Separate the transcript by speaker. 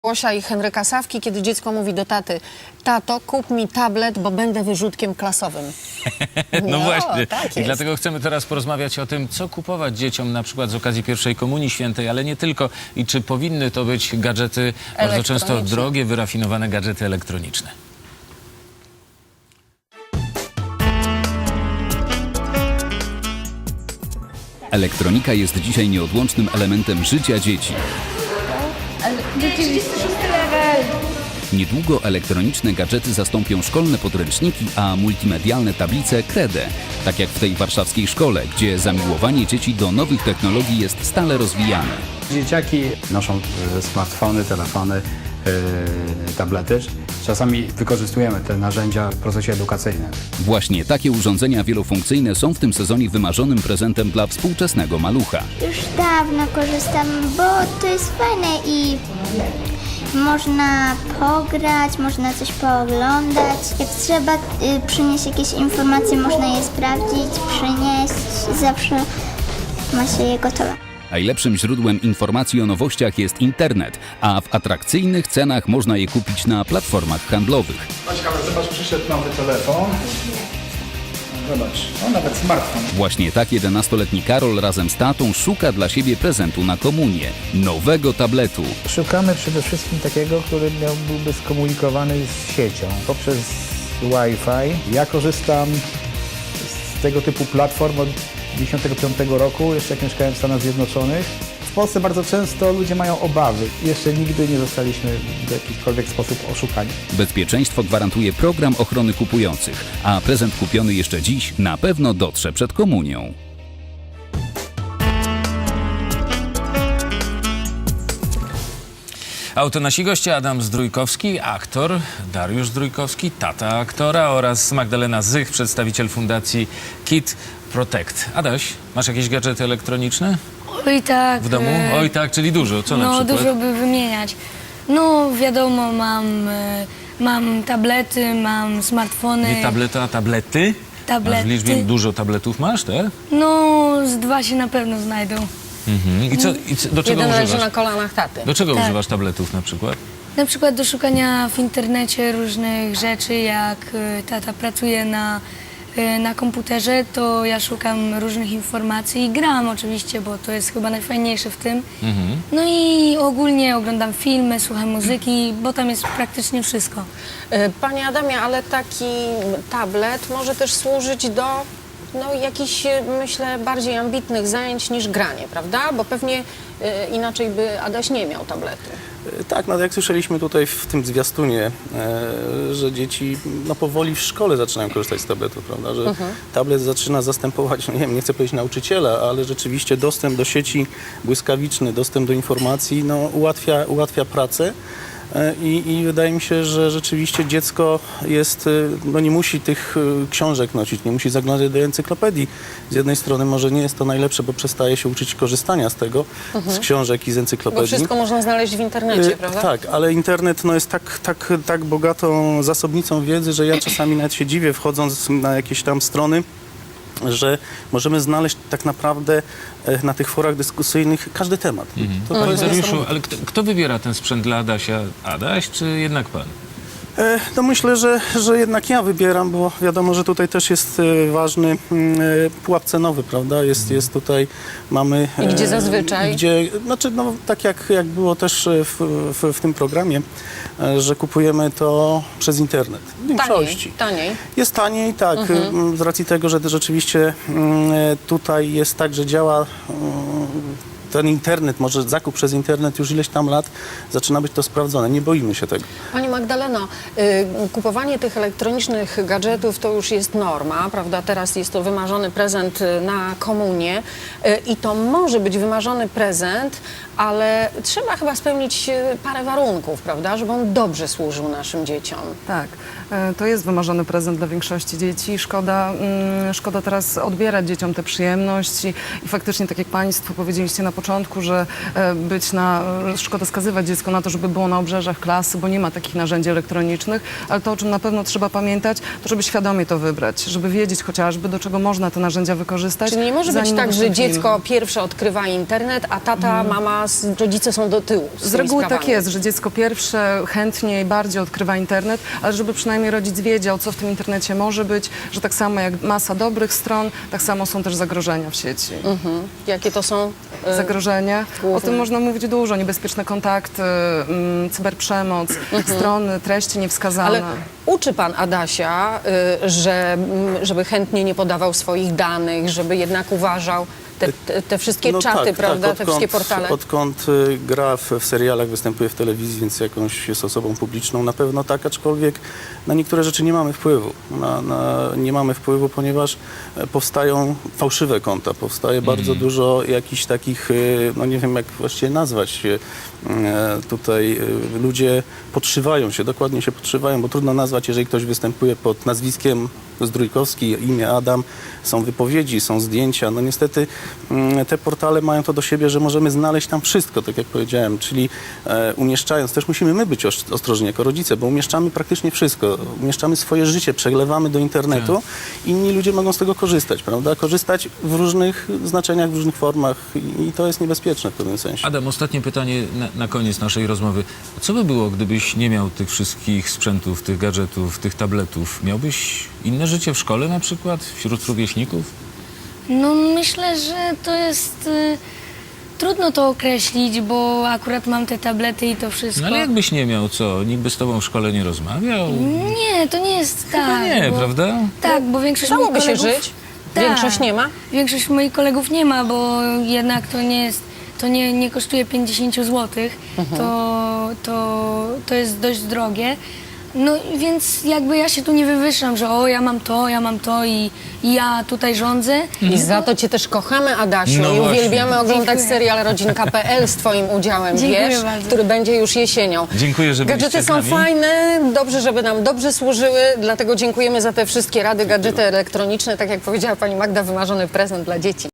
Speaker 1: Łosia i Henryka Sawki, kiedy dziecko mówi do taty: tato, kup mi tablet, bo będę wyrzutkiem klasowym.
Speaker 2: No właśnie.
Speaker 1: Tak
Speaker 2: I
Speaker 1: jest.
Speaker 2: dlatego chcemy teraz porozmawiać o tym, co kupować dzieciom na przykład z okazji pierwszej komunii świętej, ale nie tylko. I czy powinny to być gadżety bardzo często
Speaker 1: Elektroniczne.
Speaker 2: drogie, wyrafinowane gadżety elektroniczne.
Speaker 3: Elektronika jest dzisiaj nieodłącznym elementem życia dzieci. Niedługo elektroniczne gadżety zastąpią szkolne podręczniki, a multimedialne tablice kredę. Tak jak w tej warszawskiej szkole, gdzie zamiłowanie dzieci do nowych technologii jest stale rozwijane.
Speaker 4: Dzieciaki noszą smartfony, telefony, tablety. Czasami wykorzystujemy te narzędzia w procesie edukacyjnym.
Speaker 3: Właśnie takie urządzenia wielofunkcyjne są w tym sezonie wymarzonym prezentem dla współczesnego malucha.
Speaker 5: Już dawno korzystam, bo to jest fajne i można pograć, można coś pooglądać. Jak trzeba przynieść jakieś informacje, można je sprawdzić, przynieść. Zawsze ma się je gotowe.
Speaker 3: Najlepszym źródłem informacji o nowościach jest internet, a w atrakcyjnych cenach można je kupić na platformach handlowych.
Speaker 4: Zobacz, przyszedł nowy telefon. Zobacz, nawet smartfon.
Speaker 3: Właśnie tak 11-letni Karol razem z tatą szuka dla siebie prezentu na komunię – nowego tabletu.
Speaker 6: Szukamy przede wszystkim takiego, który byłby skomunikowany z siecią poprzez Wi-Fi. Ja korzystam z tego typu platform od 1995 roku, jeszcze jak mieszkałem w Stanach Zjednoczonych. W Polsce bardzo często ludzie mają obawy. Jeszcze nigdy nie zostaliśmy w jakikolwiek sposób oszukani.
Speaker 3: Bezpieczeństwo gwarantuje program ochrony kupujących, a prezent kupiony jeszcze dziś na pewno dotrze przed komunią.
Speaker 2: A oto nasi goście: Adam Zdrójkowski, aktor, Dariusz Zdrójkowski, tata aktora, oraz Magdalena Zych, przedstawiciel fundacji Kid Protect. Adaś, masz jakieś gadżety elektroniczne
Speaker 7: Oj tak.
Speaker 2: w domu? Oj tak, czyli dużo. Co na
Speaker 7: No
Speaker 2: przykład?
Speaker 7: dużo by wymieniać. No wiadomo, mam tablety, mam smartfony.
Speaker 2: Nie tableta, a tablety?
Speaker 7: Tablety.
Speaker 2: Masz w liczbie dużo tabletów masz, tak?
Speaker 7: No z 2 się na pewno znajdą.
Speaker 2: Mhm. Do czego
Speaker 1: Jeden leży
Speaker 2: używasz?
Speaker 1: na kolanach taty.
Speaker 2: Do czego
Speaker 7: Tak.
Speaker 2: używasz tabletów na przykład?
Speaker 7: Na przykład do szukania w internecie różnych rzeczy, jak tata pracuje na komputerze, to ja szukam różnych informacji i gram oczywiście, bo to jest chyba najfajniejsze w tym. No i ogólnie oglądam filmy, słucham muzyki, bo tam jest praktycznie wszystko.
Speaker 1: Panie Adamie, ale taki tablet może też służyć do jakichś, myślę, bardziej ambitnych zajęć niż granie, prawda? Bo pewnie inaczej by Adaś nie miał tabletu.
Speaker 8: Tak, no jak słyszeliśmy tutaj w tym zwiastunie, że dzieci powoli w szkole zaczynają korzystać z tabletów, prawda, że tablet zaczyna zastępować, no nie wiem, nie chcę powiedzieć nauczyciela, ale rzeczywiście dostęp do sieci błyskawiczny, dostęp do informacji, no ułatwia pracę. I wydaje mi się, że rzeczywiście dziecko jest, nie musi tych książek nosić, nie musi zaglądać do encyklopedii. Z jednej strony może nie jest to najlepsze, bo przestaje się uczyć korzystania z tego, z książek i z encyklopedii.
Speaker 1: Bo wszystko można znaleźć w internecie, prawda?
Speaker 8: Tak, ale internet jest tak bogatą zasobnicą wiedzy, że ja czasami nawet się dziwię, wchodząc na jakieś tam strony, że możemy znaleźć tak naprawdę na tych forach dyskusyjnych każdy temat. To
Speaker 2: Panie
Speaker 8: jest
Speaker 2: Dariuszu,
Speaker 8: niesamowite.
Speaker 2: ale kto wybiera ten sprzęt dla Adasia? Adaś, czy jednak pan?
Speaker 8: No myślę, że jednak ja wybieram, bo wiadomo, że tutaj też jest ważny pułap cenowy, prawda? Jest tutaj, mamy...
Speaker 1: I gdzie zazwyczaj?
Speaker 8: Tak jak było też w tym programie, że kupujemy to przez internet. W większości.
Speaker 1: Taniej.
Speaker 8: Jest taniej, tak, z racji tego, że rzeczywiście tutaj jest tak, że działa ten internet, może zakup przez internet już ileś tam lat, zaczyna być to sprawdzone. Nie boimy się tego.
Speaker 1: Pani Magdaleno, kupowanie tych elektronicznych gadżetów to już jest norma, prawda? Teraz jest to wymarzony prezent na komunię i to może być wymarzony prezent, ale trzeba chyba spełnić parę warunków, prawda? Żeby on dobrze służył naszym dzieciom.
Speaker 9: Tak, to jest wymarzony prezent dla większości dzieci. Szkoda teraz odbierać dzieciom tę przyjemność i faktycznie, tak jak Państwo powiedzieliście na początku, że szkoda skazywać dziecko na to, żeby było na obrzeżach klasy, bo nie ma takich narzędzi elektronicznych. elektronicznych, ale to, o czym na pewno trzeba pamiętać, to żeby świadomie to wybrać, żeby wiedzieć chociażby, do czego można te narzędzia wykorzystać.
Speaker 1: Czyli nie może być
Speaker 9: zanim
Speaker 1: tak, że
Speaker 9: udostępnimy.
Speaker 1: dziecko pierwsze odkrywa internet, a tata, mama, rodzice są do tyłu.
Speaker 9: Z reguły tak jest, że dziecko pierwsze chętniej, bardziej odkrywa internet, ale żeby przynajmniej rodzic wiedział, co w tym internecie może być, że tak samo jak masa dobrych stron, tak samo są też zagrożenia w sieci.
Speaker 1: Jakie to są?
Speaker 9: Zagrożenia.
Speaker 1: główne.
Speaker 9: O tym można mówić dużo. Niebezpieczne kontakty, cyberprzemoc, strony, treści niewskazane.
Speaker 1: Ale uczy pan Adasia, żeby chętnie nie podawał swoich danych, żeby jednak uważał te wszystkie czaty, prawda, te wszystkie portale?
Speaker 8: Odkąd gra w serialach, występuje w telewizji, więc jakąś jest osobą publiczną, na pewno tak, aczkolwiek na niektóre rzeczy nie mamy wpływu. Nie mamy wpływu, ponieważ powstają fałszywe konta, powstaje bardzo dużo jakichś takich, no nie wiem jak właściwie nazwać, tutaj ludzie podszywają się, dokładnie się podszywają, bo trudno nazwać, jeżeli ktoś występuje pod nazwiskiem Zdrójkowski, imię Adam, są wypowiedzi, są zdjęcia. No niestety te portale mają to do siebie, że możemy znaleźć tam wszystko, tak jak powiedziałem, czyli umieszczając, też musimy my być ostrożni jako rodzice, bo umieszczamy praktycznie wszystko. Umieszczamy swoje życie, przeglewamy do internetu, inni ludzie mogą z tego korzystać, prawda? Korzystać w różnych znaczeniach, w różnych formach i to jest niebezpieczne w pewnym sensie.
Speaker 2: Adam, ostatnie pytanie na koniec naszej rozmowy. Co by było, gdybyś nie miał tych wszystkich sprzętów, tych gadżetów, tych tabletów? Miałbyś inne życie w szkole na przykład, wśród rówieśników?
Speaker 7: No myślę, że to jest trudno to określić, bo akurat mam te tablety i to wszystko.
Speaker 2: No ale jakbyś nie miał, co? Nikt by z tobą w szkole nie rozmawiał?
Speaker 7: Nie, to nie jest tak.
Speaker 2: nie,
Speaker 7: bo,
Speaker 2: prawda?
Speaker 7: Tak, bo większość moich
Speaker 1: Dałoby się
Speaker 7: kolegów...
Speaker 1: żyć?
Speaker 7: Tak.
Speaker 1: Większość nie ma?
Speaker 7: Większość moich kolegów nie ma, bo jednak to nie jest, to nie kosztuje 50 zł. To jest dość drogie. No więc jakby ja się tu nie wywyższam, że o ja mam to i ja tutaj rządzę.
Speaker 1: I za to cię też kochamy, Adasiu,
Speaker 2: No
Speaker 1: i
Speaker 2: właśnie.
Speaker 1: uwielbiamy oglądać
Speaker 7: Dziękuję.
Speaker 1: serial Rodzinka.pl z twoim udziałem,
Speaker 7: Dziękuję
Speaker 1: wiesz,
Speaker 7: bardzo.
Speaker 1: który będzie już jesienią.
Speaker 2: Dziękuję, że byliście
Speaker 1: Gadżety
Speaker 2: z
Speaker 1: są
Speaker 2: nami.
Speaker 1: fajne, dobrze, żeby nam dobrze służyły, dlatego dziękujemy za te wszystkie rady, gadżety elektroniczne. Tak jak powiedziała pani Magda, wymarzony prezent dla dzieci.